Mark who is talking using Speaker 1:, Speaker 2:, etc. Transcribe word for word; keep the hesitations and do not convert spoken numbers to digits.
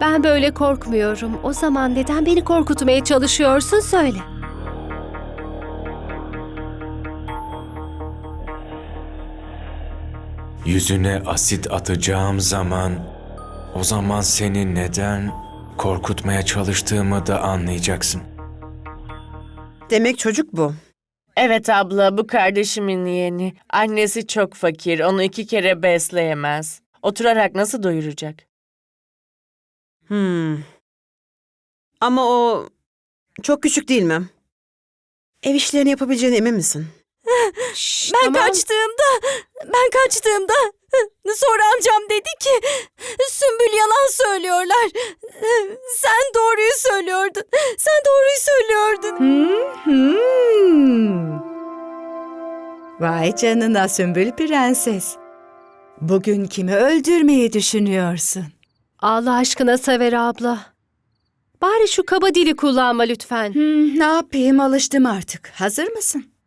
Speaker 1: Ben böyle korkmuyorum. O zaman neden beni korkutmaya çalışıyorsun söyle.
Speaker 2: Yüzüne asit atacağım zaman, o zaman seni neden korkutmaya çalıştığımı da anlayacaksın.
Speaker 3: Demek çocuk bu.
Speaker 4: Evet abla, bu kardeşimin yeğeni. Annesi çok fakir, onu iki kere besleyemez. Oturarak nasıl doyuracak?
Speaker 3: Hmm. Ama o çok küçük değil mi? Ev işlerini yapabileceğine emin misin?
Speaker 1: Şşş,
Speaker 5: Ben
Speaker 1: tamam.
Speaker 5: kaçtığımda, ben kaçtığımda sonra amcam dedi ki Sümbül yalan söylüyorlar. Sen doğruyu söylüyordun. Sen doğruyu söylüyordun.
Speaker 6: Hmm. Vay canına Sümbül Prenses. Bugün kimi öldürmeyi düşünüyorsun?
Speaker 1: Allah aşkına Sever abla. Bari şu kaba dili kullanma lütfen.
Speaker 6: Hmm, ne yapayım, alıştım artık. Hazır mısın?